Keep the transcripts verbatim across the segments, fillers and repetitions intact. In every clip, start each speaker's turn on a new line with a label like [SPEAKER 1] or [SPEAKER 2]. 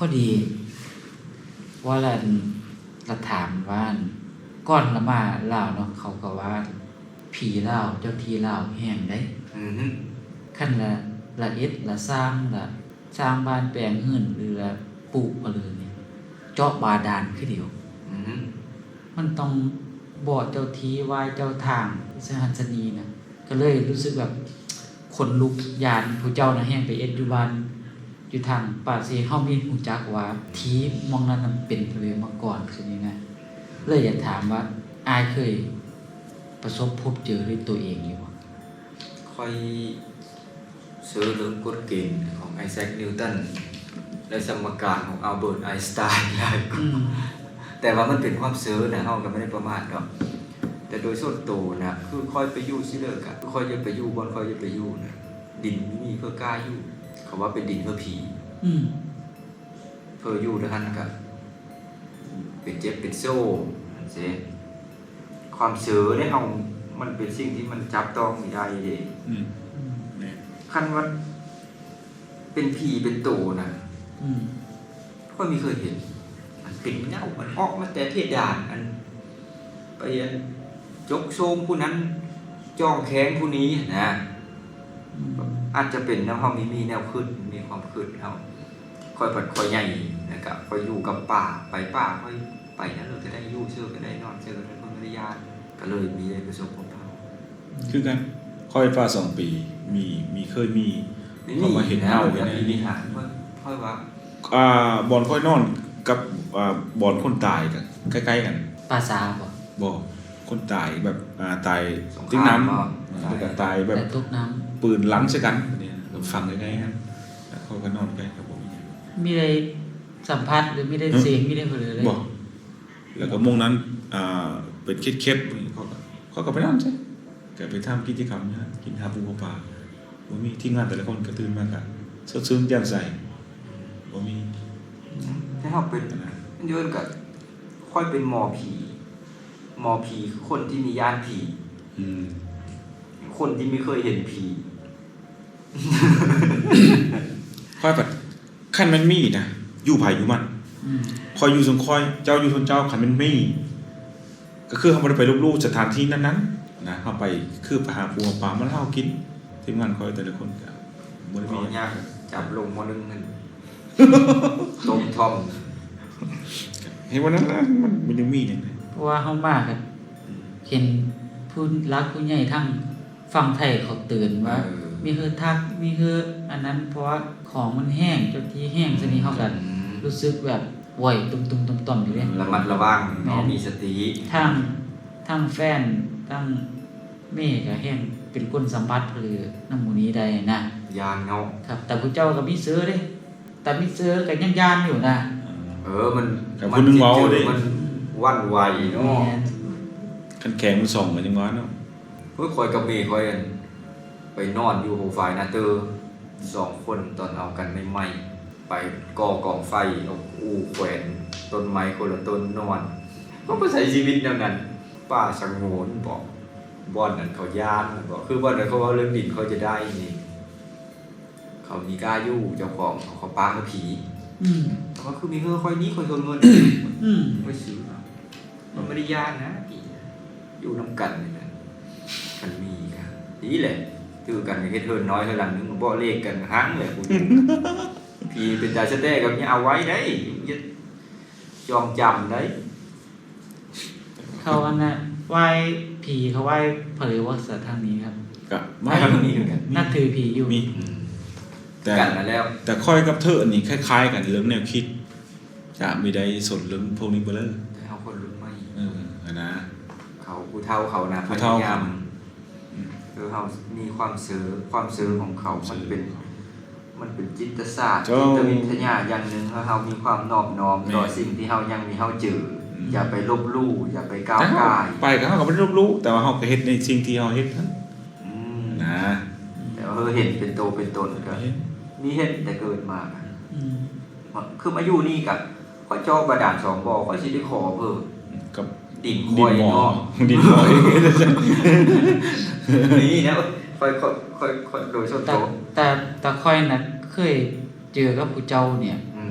[SPEAKER 1] อดีว่าละละถามว่าก่อนละมาลาวเนาะเขาก็ว่าผีลาวเจ้าที่ลาวแห้งได้
[SPEAKER 2] อือฮึ
[SPEAKER 1] คั่นละละเอ็ดละสร้างละสร้างบ้านแปลงเฮือนหรือละปลูกเอาเลยเนี่ยเจาะบาดาลคือเดียว
[SPEAKER 2] อือฮึ
[SPEAKER 1] มันต้องบ่เจ้าที่ไหว้เจ้าทางสหัสนีนะก็เลยรู้สึกแบบขนลุกยานผู้เจ้าน่ะแห้งไปเอ็ดอยู่บ้านอยู่ทางป่าเซเฮามีฮู้จักว่าที่มองนั้นมันเป็นไปเลยมาก่อนคือยังไงเลยอยากถามว่าอายเคยประสบพบเจอด้วยตัวเองอยู่บ่
[SPEAKER 2] ค่อยซื้อเรื่องกฎเกณฑ์ของไอแซคนิวตันและสมการของอัลเบิร์ตไอน์สไตน์หลายกว่าแต่ว่ามันเป็นความซื้อนะเฮาก็ไม่ได้ประมาทดอกแต่โดยส่วนตัวนะคือค่อยไปอยู่ซิเลิกอะค่อยจะไปอยู่บ่ค่อยจะไปอยู่นะดินมีเพื่อกล้าอยู่เขาว่าเป็นดินเพื่อผี
[SPEAKER 1] อืม
[SPEAKER 2] เพื่ออยู่ด้วยกันกับเป็นเจ็บเป็นโซ่เสียความเสือได้เอามันเป็นสิ่งที่มันจับต้องไม่ได้เด้
[SPEAKER 3] อืม
[SPEAKER 2] คันว่าเป็นผีเป็นโตนะ
[SPEAKER 1] อืม
[SPEAKER 2] ค่อยมีเคยเห็นมันเป็นเงามันออกมาแต่เพดานอันไปอันจกโซมผู้นั้นจ้องแข้งผู้นี้นะอาจจะเป็นแนวความมีมีแนวขึ้นมีความขึ้นเฮาค่อยปัดค่อยใหญ่นะครับค่อยอยู่กับป่าไปป่าค่อยไปนั้นเราจะได้อยู่เชื่อก็ได้นอนเชื่อก็ได้คนไม่ได้ยานก็เลยมีได้ประสบพบเฮา
[SPEAKER 3] คือกันค่อยฟ้าสองปีมีมีเคยมีเขามาเห็นเฮา
[SPEAKER 2] อย่างนี้นี่ฮะค่อยว่า
[SPEAKER 3] อ่าบ่อนค่อยนอนกับอ่าบ่อนคนตายกันใกล้ๆกัน
[SPEAKER 1] ปราสาทบ่
[SPEAKER 3] บ่คนตายแบบอ่าตายติ้งน้ำแล้วก็ตายแบบ
[SPEAKER 1] ตกน้ำ
[SPEAKER 3] ปืนหลังใส่กันเนี่ยฟังใกล้ๆกันแล้วเขาก็นอนใกล้กับผม
[SPEAKER 1] มีได้สัมผัสหรือมีได้เสียงมีได้เผลอเลย
[SPEAKER 3] บ่แล้วก็มงนั้นอ่าเป็นเคล็ดๆเขาก็เขาก็ไปนอนใช่ก็ไปทำกิจกรรมนะกินหาปูปลาบ่มีทีมงานแต่ละคนก็ตื่นมาก็สดชื่นแจ่มใสบ่มี
[SPEAKER 2] ถ้าเฮาเป็นมันย้อนก็ค่อยเป็นหมอผีหมอผีคือคนที่มีญาณผี
[SPEAKER 3] อืม
[SPEAKER 2] คนที่ไม่เคยเห็นผี
[SPEAKER 3] ค่อยแบบคันมันมีนะอยู่ไผอยู่มัน
[SPEAKER 1] อืม
[SPEAKER 3] คอยอยู่สงคอยเจ้าอยู่ทนเจ้าคันมันมีก็คือเฮาบ่ได้ไปลบๆสถานที่นั้นๆนะเฮาไปคือไปหาปูปลามาเฮากินทีมงานคอยแต่ละคนก็บ่ได้มี
[SPEAKER 2] ยากจับลงมานึงนั่นต้มท่อม
[SPEAKER 3] เห็นว่านั้นมันมันยังมีจังได๋
[SPEAKER 1] เพราะว่าเฮามากันเห็นผู้รักผู้ใหญ่ทั้งฝั่งไทยเขาเตือนว่ามีคือทักมีคืออันนั้นเพราะว่าของมันแห้งจนที่แห้งซะนี้เฮาก็รู้สึกแบบป่วยตุ่มๆต่อมๆอยู่เด้
[SPEAKER 2] ระมัดระวังเนาะมีสติ
[SPEAKER 1] ทั้งทั้งแฟนทั้งแม่ก็แห้งเป็นคนสัมผัสหรือนำหมู่นี้ได้นะ
[SPEAKER 2] ยานเนาะ
[SPEAKER 1] ครับแต่ผู้เจ้าก็มีเสือเด้แต่มีเสือก็ยังยานอยู่นะ
[SPEAKER 2] เออมัน
[SPEAKER 3] มันเว้าเด้
[SPEAKER 2] มันวันไหวเนาะ
[SPEAKER 3] คันแข็งมันส่องกันจังว่าเนาะ
[SPEAKER 2] เพิ่นคอยกับเมย์คอยไปนอนอยู่โหฝ่ายนาเตอร์สองคนตอนเอากันใหม่ๆไปก่อกองไฟเอาอู้แขวนต้นไม้คนละต้นนอนก็บ่ใช้ชีวิตแนวนั้นป้าสงวนบอกบ่อนนั้นเขาย่านบอกคือบ่อนนั้นเขาว่าเรื่องดินเขาจะได้นี่เขามีกล้าอยู่เจ้าของเขาป้าเขาผี
[SPEAKER 1] อืม
[SPEAKER 2] แต่ว่าคือมีเงินค่อยนี้ค่อยโดนเงิน
[SPEAKER 1] อืม
[SPEAKER 2] ไม่ซื้อมันไม่ได้ย่านนะผีอยู่นำกันนี่นะมันมีครับนี่แหละคือกันเฮ็ดเฮินน้อยเท่านั้นนึงบ่เลขกันหังเลยกูผีเป็นตาสะแต้กับนี่เอาไว้ได้ยึดจองจำได้
[SPEAKER 1] เขาอันน่ะไหว้ผีเขาไหว้เผยว่าสัตว์ทางนี้ครับ
[SPEAKER 3] ก็
[SPEAKER 2] ไม่ทางนี้เหมือนกัน
[SPEAKER 1] นับถือผีอยู่
[SPEAKER 3] มี
[SPEAKER 2] แต่กันมาแล้ว
[SPEAKER 3] แต่ค่อยกับเธออันนี้คล้ายๆกันเรื่องแนวคิดจะมีได้สนเรื่องพวกนี้บ่เลย
[SPEAKER 2] แต่เฮาคนรุ่นใหม่
[SPEAKER 3] เออนะ
[SPEAKER 2] เขาผู้เฒ่าเขานะพยายามคือเฮามีความซื่อความซื่อของเขามันเป็นมันเป็นจิตศาสตร์จิตวิทยาอย่างนึงเฮามีความนอบน้อมต่อสิ่งที่เฮายังมีเฮาเจออย่าไปลบลู่อย่าไปก้าวก่าย
[SPEAKER 3] ไปก็เฮาก็บ่ได้ลบลู่แต่ว่าเฮาก็เฮ็ดในสิ่งที่เฮาเฮ็ดนั่น
[SPEAKER 2] อืม
[SPEAKER 3] นะ
[SPEAKER 2] แต่ว่าเฮาเห็นเป็นโตเป็นตนก็มีเฮ็ดแต่เกิดมา
[SPEAKER 1] อืม
[SPEAKER 2] คือมาอยู่นี่ก็ค่อยจอกบาดาลสองบ่อค่อยสิได้ขอเพิ่ม
[SPEAKER 3] กับ
[SPEAKER 2] ดินคอยเนาะ
[SPEAKER 3] ดินคอย
[SPEAKER 2] นี่นะค่อยค่อยค่อยโดยส่วนตัว
[SPEAKER 1] แต่แต่ค่อยน่ะเคยเจอกับผู้เจ้าเนี่ย
[SPEAKER 2] อืม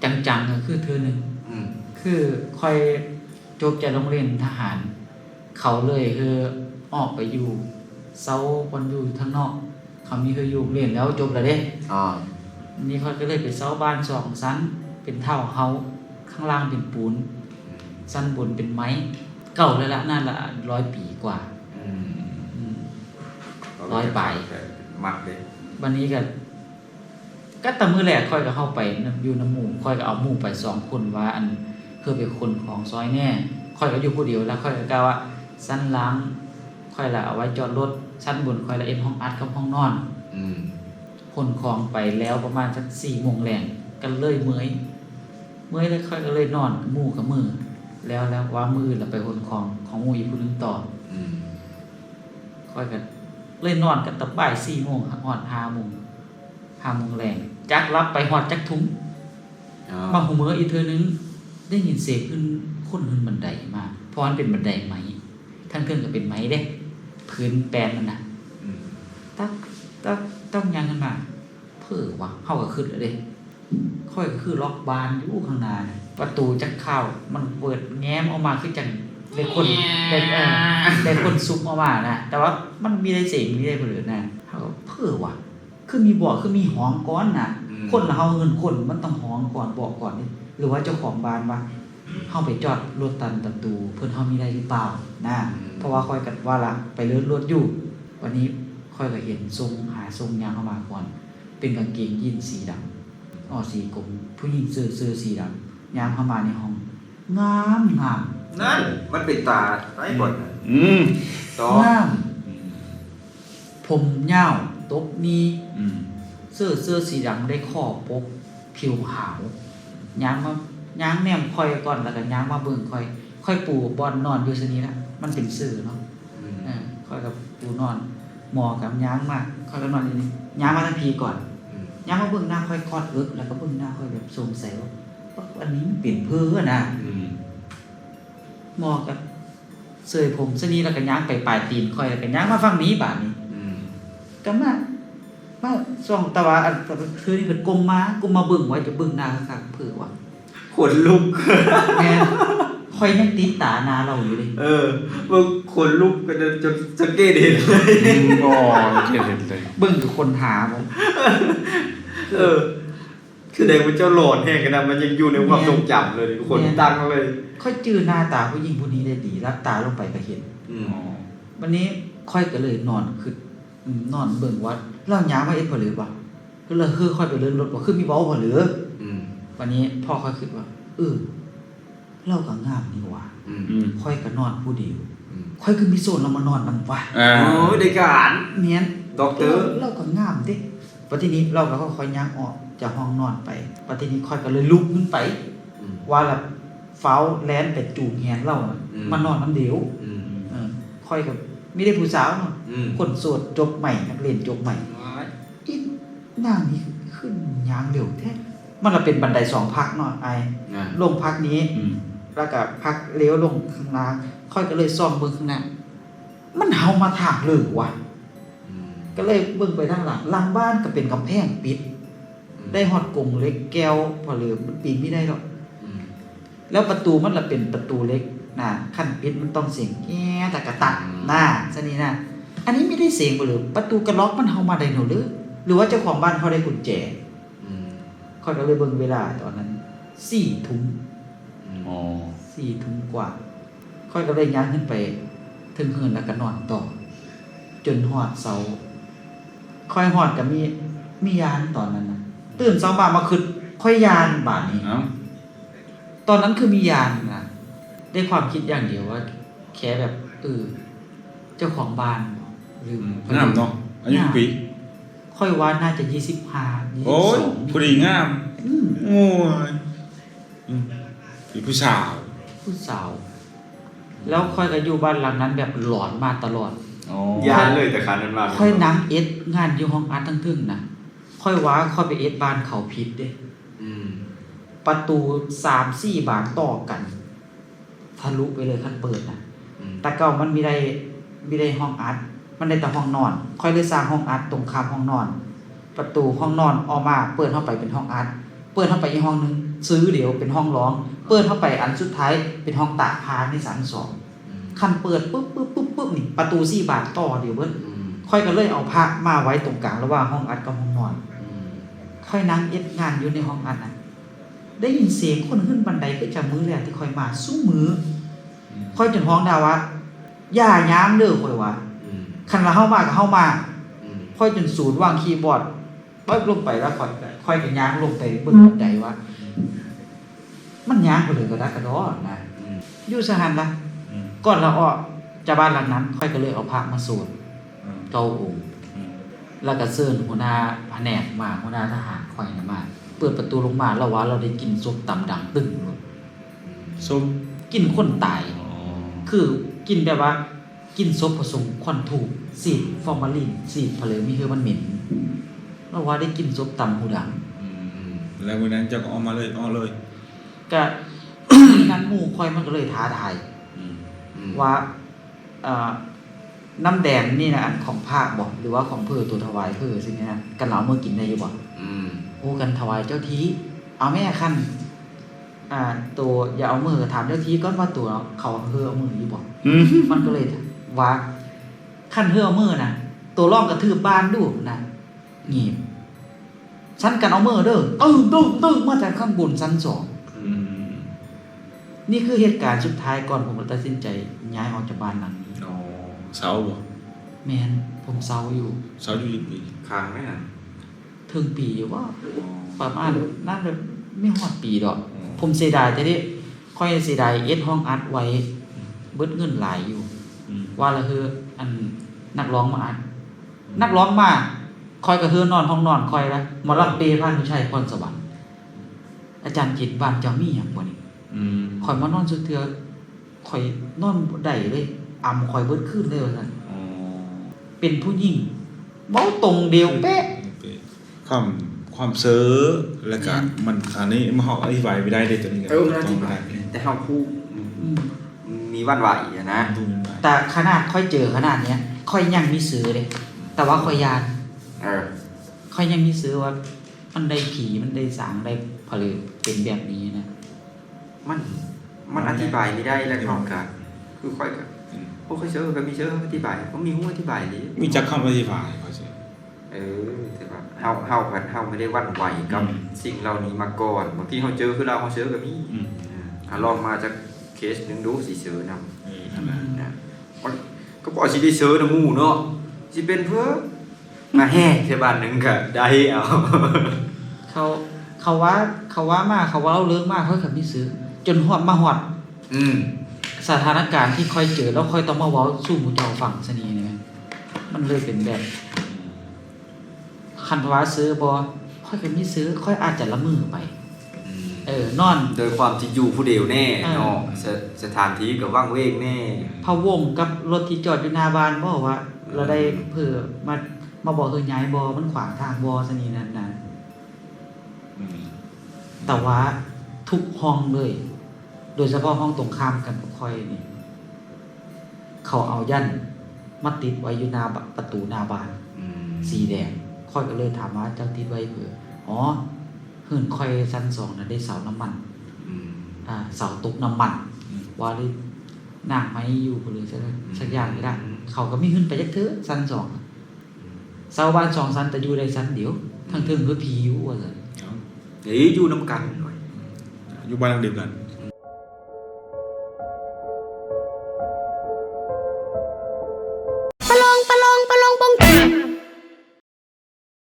[SPEAKER 1] จังๆก็คือเทื่อหนึง
[SPEAKER 2] อืม
[SPEAKER 1] คือค่อยจบจากโรงเรียนทหาร เขาเลยคือออกไปอยู่เซาบอนอยู่ทางนอก เขามีคืออยู่โรงเรียนแล้วจบแล้วเด้
[SPEAKER 2] อ่า
[SPEAKER 1] นี่ค่อยก็เลยไปเซาบ้านสองชั้น เป็นเท่าเฮาข้างล่างเป็นปูนชั้นบนเป็นไม้เก่าแล้วละน่าละร้อยปีกว่า
[SPEAKER 2] อืม
[SPEAKER 1] อืม ร้อยปลาย
[SPEAKER 2] มัดเลย
[SPEAKER 1] วันนี้ก็ก็แตะมือแรกค่อยก็เข้าไปนำอยู่น้ำหมู่ค่อยก็เอาหมู่ไปสองคนว่าอันเพื่อเป็นคนของซอยแน่ค่อยก็อยู่ผู้เดียวแล้วค่อยก็กล่าวว่าชั้นล่างค่อยละเอาไว้จอดรถชั้นบนค่อยละเอ็นห้องอัดกับห้องนอน
[SPEAKER 2] อืม
[SPEAKER 1] คนของไปแล้วประมาณสักสี่โมงแรงก็เลยเมื่อยเมื่อยแล้วค่อยก็เลยนอนหมู่กับมือแล้วแล้วว่ามือเราไปคนของของหมู่อีกผู้หนึงต่อ
[SPEAKER 2] อืม
[SPEAKER 1] ค่อยกันเลยนอนกันตั้งบ่ายสี่โมงหอดห้าโมงห้าโมงแรงจักรับไปหอดจักทุ้ง
[SPEAKER 2] อ๋อ
[SPEAKER 1] มาหูเมืออีกเธอนึงได้ยินเสียงขึ้นคนขึ้นบันไดมาเพราะมันเป็นบันไดไม้ทั้งเครื่องก็เป็นไม้เด้พื้นแปลนมันนะ
[SPEAKER 2] อืม
[SPEAKER 1] ตักตักต้องยังกันมาเพื่อวะเข้าก็ขึ้นแล้วเด้ค่อยก็คือล็อกบานอยู่ข้างหน้าน่ะประตูจักเข้ามันเปิดแง้มออกมาคือจังได้คนได้เออได้คนซุกออกมานะแต่ว่ามันมีได้เสียงมีได้เปลือกนะเขาก็เพื่อวะคือมีบอกคือมีห้องก่อนน่ะ คนละเฮาเงินคนมันต้องห้องก่อนบอกก่อนนี่หรือว่าเจ้าของบ้านว่าเฮาไปจอดรถตันประตูเพิ่นเฮามีได้หรือเปล่านะเพราะว่าค่อยกันว่าละไปเลื่อนรถอยู่ วันนี้ค่อยก็เห็นทรงหาทรงยางเข้ามาก่อน เป็นกางเกงยีนสีดำอ๋อสีกลมผู้หญิงเสื้อเสื้อสีดำยางเข้ามาในห้อง งามงาม
[SPEAKER 2] นั่นมันเป็นตาไอ้บทน่ะ
[SPEAKER 3] อืม
[SPEAKER 2] ต่อง
[SPEAKER 1] าม ผมยาวตบมี
[SPEAKER 3] อืม
[SPEAKER 1] เสื้อเสื้อสีดำได้ข้อปกผิวขาวยางมายางแนมค่อยก่อนแล้วก็ยางมาเบิ่งค่อย ค่อยปูบอนนอนอยู่ซะนี้นะมันเป็นเสื้อเนาะ
[SPEAKER 2] อืม
[SPEAKER 1] เออค่อยกับปูนอนหมอกับยางมาค่อยก็นอนอยู่นี่ยางมาทั้งพีก่อน
[SPEAKER 2] อืม
[SPEAKER 1] ยางมาเบิ่งหน้าค่อยกอดเอิกแล้วก็เบิ่งหน้าค่อยแบบสงสัยว่าว่าอันนี้มันเปลี่ยนเพ้อนะ
[SPEAKER 3] อืม
[SPEAKER 1] หมอกับเสื้อผมซะนี้แล้วก็ยางไปปลายตีนค่อยแล้วก็ยางมาฝั่งนี้บาดนี้
[SPEAKER 2] อืม
[SPEAKER 1] ก็มามาส่องตะวาอันคือนี่เพิ่นกลมมากลมมาเบิ่งไว้จะเบิ่งหน้าคักๆเผื่อว่า
[SPEAKER 2] ขนลุก
[SPEAKER 1] แม่นค่อยยังติดตาหน้าเราอยู่เลย
[SPEAKER 2] เออมึงขนลุกกันจนจนสังเกตเห็นเลย
[SPEAKER 3] อืมอ๋อเห็นเห็นเลย
[SPEAKER 1] เบิ่งคือคนหาบ่
[SPEAKER 2] เออ คือเด็กมันเจ้าโหลดแห่งกันนะมันยังอยู่ในความทรงจำเลยขนตั้งเลย
[SPEAKER 1] ค่อยจื้อหน้าตาผู้หญิงผู้นี้ได้ดีรับตาลงไปก็เห็น
[SPEAKER 2] อืม
[SPEAKER 3] อ๋อ
[SPEAKER 1] วันนี้ค่อยก็เลยนอนคืออืมนอนเบิ่งว่าเราหยามว่าเอ็ดพอหรือบ่คือเลยคือค่อยไปเลื่อนรถบ่คือมีเว้าพอหรือ
[SPEAKER 2] อืม
[SPEAKER 1] วันนี้พ่อค่อยคิดว่าเออเราก็งามนี่หว่า
[SPEAKER 2] อืม
[SPEAKER 3] อืม
[SPEAKER 1] ค่อยก็นอนผู้เดียว
[SPEAKER 2] อืม
[SPEAKER 1] ค่อยคือมีโซนเรามานอนนำวะ
[SPEAKER 3] อ่า
[SPEAKER 2] โอ้ยเด็กการ
[SPEAKER 1] เมียน
[SPEAKER 2] ด็อกเตอร์
[SPEAKER 1] เราก็งามเด้ปัจจุบันเราก็ค่อยๆย่างออกจากห้องนอนไปปัจจุบันค่อยก็เลยลุกขึ้นไป
[SPEAKER 2] อืม
[SPEAKER 1] ว่าละฟ้าวแลนไปจูงแฮนเราน่ะ
[SPEAKER 2] อืม
[SPEAKER 1] มานอนน้ำเดียว
[SPEAKER 2] อืม
[SPEAKER 1] เออค่อยกับไม่ได้ผู้สาวเนาะ
[SPEAKER 2] อืม
[SPEAKER 1] คนโสดจบใหม่นักเรียนจบใหม่อีนางนี่ขึ้นย่างเร็วแท้มันละเป็นบันไดสองพักเนาะไอ
[SPEAKER 2] นะ
[SPEAKER 1] ลงพักนี้
[SPEAKER 3] อืม
[SPEAKER 1] แล้วก็พักเลี้ยวลงข้างล่างค่อยก็เลยซ่อมเบิ่งข้างหน้ามันเฮามาถากเลยว่ะ
[SPEAKER 2] อืม
[SPEAKER 1] ก็เลยเบิ่งไปทางหลังหลังบ้านก็เป็นกำแพงปิด ได้ฮอดกรงเล็กแก้วพอเหลือมันปีนไม่ได้หรอก
[SPEAKER 2] อืม
[SPEAKER 1] แล้วประตูมันละเป็นประตูเล็กนะขั้นปิดมันต้องเสียงแง่ตะกะตักน่ะซะนี่นะอันนี้ไม่ได้เสียงบ่เลยประตูกระล็อกมันเฮามาได้หนูหรือหรือว่าเจ้าของบ้านเขาได้กุญแจ
[SPEAKER 2] อืม
[SPEAKER 1] ค่อยก็เลยเบิ่งเวลาตอนนั้นสี่ทุ่ม
[SPEAKER 2] อืม
[SPEAKER 3] อ๋อ
[SPEAKER 1] สี่ทุ่มกว่า ค่อยก็เลยย่างขึ้นไปถึงเฮือนแล้วก็นอนต่อ จนฮอดเสาค่อยฮอดก็มีมียานตอนนั้นน่ะตื่นเช้ามามาคิดค่อยยานบาดนี้
[SPEAKER 3] เอ้า
[SPEAKER 1] ตอนนั้นคือมียานนะได้ความคิดอย่างเดียวว่า แค่แบบเออเจ้าของบ้านหรือ
[SPEAKER 3] งามเนาะอายุกี่ปี
[SPEAKER 1] ค่อยว่าน่าจะยี่สิบห้ายี่สิ
[SPEAKER 3] โอ้
[SPEAKER 1] บ
[SPEAKER 3] ย
[SPEAKER 1] สอง
[SPEAKER 3] ผู้ดีงาม
[SPEAKER 1] อืม
[SPEAKER 3] โอ้ยอืมเป็นผู้สาว
[SPEAKER 1] ผู้สาว แล้วค่อยก็อยู่บ้านหลังนั้นแบบหลอนมาตลอด
[SPEAKER 3] อ๋อ
[SPEAKER 2] ยานเลยแต่คันนั้นมาก
[SPEAKER 1] ค่อยนังเอ็ดงานอยู่ห้องอาร์ตทั้งทึ่งนะค่อยว่าค่อยไปเอ็ดบ้านเขาผิดเด้
[SPEAKER 2] อืม
[SPEAKER 1] ประตูสามสี่บานต่อกันทะลุไปเลยคันเปิดนะ
[SPEAKER 2] อืม
[SPEAKER 1] แต่เก่ามันมีได้มีได้ห้องอัด มันได้แต่ห้องนอน ค่อยเลยสร้างห้องอัดตรงข้ามห้องนอน ประตูห้องนอนออกมาเปิดเข้าไปเป็นห้องอัด เปิดเข้าไปอีกห้องนึงซื้อเดี๋ยวเป็นห้องร้องเปิดเข้าไปอันสุดท้ายเป็นห้องตากผ้าในชั้นสองคันเปิดปุ๊บปุ๊บปุ๊บปุ๊บนี่ประตูสี่บาทต่อเดี๋ยวเบิ้ลค่อยก็เลยเอาผ้ามาไว้ตรงกลางระหว่างห้องอัดกับห้องนอนค่อยนั่งเอ็ดงานอยู่ในห้องอัดน่ะได้ยินเสียงคนขึ้นบันไดก็จะมือแรกที่ค่อยมาสู้มือค่อยจนห้องดาวว่าอย่าย้ามเด้อค่อยว่าคันละเข้ามาก็เข้ามาค่อยจนศูนย์วางคีย์บอร์ดปึ๊บลงไปแล้วค่อยค่อยก็ย้างลงไปเบิ่งบันไดว่ามันย้างไปเลยก็ได้กระดอนะอยู่สหันละก่อนเราออกจากบ้านหลังนั้น ค่อยก็เลยเอาพระมาสวดเก้าองค์แล้วก็เชิญหัวหน้าแผนกมาหัวหน้าทหารค่อยน่ะมาเปิดประตูลงมาแล้วว่าเราได้กินซุปตำดังตึ้งเลย
[SPEAKER 3] ส้ม
[SPEAKER 1] กินคนตายคือกินแบบว่ากินซุปผสมควันถูกสีดฟอร์มาลินสีดเพลมีคือมันเหม็นแล้วว่าได้กินซุปตำหูดัง
[SPEAKER 3] แล้ววันนั้นเจ้าก็เอามาเลยเอาเลย
[SPEAKER 1] ก็ นั้นหมู่ค่อยมันก็เลยท้าทายว่าเอ่อน้ำแดงนี่นะอันของภาคบ่หรือว่าของเพื่อตัวถวายเพื่อสิ่งนี้นะกันเหลาเมื่อกินได้อยู่บ่โอ้กันถวายเจ้าทีเอาแม่คันอ่าตัวอย่าเอามือถามเจ้าทีก่อนว่าตัวเขาเฮือเอามืออยู่บ่มันก็เลยว่าคันเฮือเอามือน่ะตัวร่องกระทืบบ้านดูนะงีบชั้นกันเอามือเด้อตึ้งตึ้งตึ้งมาจากข้างบนชั้นสองนี่คือเหตุการณ์สุดท้ายก่อนผมตัดสินใจย้ายออกจากบ้านหลังนี้
[SPEAKER 3] อ๋อเสาบ่
[SPEAKER 1] แมนผมเซาอยู่
[SPEAKER 3] เสาอยู่กี่ปี
[SPEAKER 2] ค้างไหมอ่ะ
[SPEAKER 1] ถึงปีอยู่ว่าประมาณน่าจะไม่ฮอดปีดอกผมเสียดายแต่ที่ค่อยเสียดายเอ็ดห้องอัดไว้เบิดเงินหลายอยู่ว่าละคืออันนักร้องมาอัดนักร้องมาคอยกระเฮือนอนห้องนอนคอยละหมอลำเปย์พานผู้ชายพรสวรรค์อาจารย์จิตบ้านเจ้ามีหยังบ่นี่คอยมานอนสุดเทื่อคอยนอนบ่ได้เลยอำคอยเบิดคืนเลยว่าซั่นเป็นผู้หญิงเว้าตรงเดียวเป๊ะ
[SPEAKER 3] ความความเซ้อแล้วก็มันอันนี้มันเฮาอธิบายไม่ได้เด้ตัวนี้
[SPEAKER 2] เออมันอธิบายแต่เฮาคู่มีวันไหวอ่ะนะ
[SPEAKER 1] แต่ขนาดค่อยเจอขนาดเนี้ยค่อยยังมีซื้อเลยแต่ว่าค่อยยาน
[SPEAKER 2] เออ
[SPEAKER 1] ค่อยยังมีซื้อว่ามันได้ผีมันได้สางได้ผลึกเป็นแบบนี้นะ
[SPEAKER 2] มันมันอธิบายไม่ได้แล้วเขาก็คือค่อยก็พวกเขาเชื่อก็มีเชื่ออธิบายเขามีหูอธิบายดิ
[SPEAKER 3] มีจักคำอธิบายเขาสิ
[SPEAKER 2] เออแต่ว่าเฮาเฮากันเฮาไม่ได้วันไหวกับสิ่งเหล่านี้มาก่อนบางทีเฮาเจอคือเราเฮาเชื่อก็มีอ่าลองมาจากเคสนึงดูสิเชื่อนำ
[SPEAKER 3] เออนั่นแหละ
[SPEAKER 2] นะก็บ่สิได้เชื่อนำหมู่เนาะสิเป็นเพื่อมาแห่ใช่บ้านนึงก็ได้เอา
[SPEAKER 1] เขาเขาว่าเขาว่ามาเขาว่าเราเลิกมากค่อยขับมีซื้อจนหอดมาหอด
[SPEAKER 2] อืม
[SPEAKER 1] สถานการณ์ที่ค่อยเจอแล้วค่อยต้องมาเว้าสู้หมู่เจ้าฝั่งซะนี่นะมันเลยเป็นแบบคันว่าซื้อบ่ค่อยก็มีซื้อค่อยอาจจะละมือไปเออนอน
[SPEAKER 2] โดยความที่อยู่ผู้เดียวแน่เนาะสสถานที่ก็ว่างเว้งแน่
[SPEAKER 1] พะวงกับรถที่จอดอยู่หน้าบ้านบ่ว่าเราได้เพื่อมามาบอกเฮาย้ายบ่มันขวางทางบ่ซะนี่นั่นน่ะแต่ว่าทุกห้องเลย โดยเฉพาะห้องตรงข้ามกันกับค่อยนี่เขาเอายันมาติดไว้อยู่หน้าประตูหน้าบ้านสีแดงค่อยก็เลยถามว่าเจ้าติดไว้เพื่ออ๋อเฮือนค่อยชั้นสองนั้นได้เสาน้ำมันอ่าเสาตกน้ำมันว่าเลยนางไม้อยู่บ่เลยสักสักอย่างนี่ล่ะเขาก็มีขึ้นไปจักเทื่อชั้นสองเสาบ้านสองชั้นแต่อยู่ได้ชั้นเดียวทั้งเทิงคือผีอยู่ว่าซั่น
[SPEAKER 2] เอ้ยอยู่นำกันหน่อย
[SPEAKER 3] อยู่บ้านหลังเดียวกัน
[SPEAKER 1] อ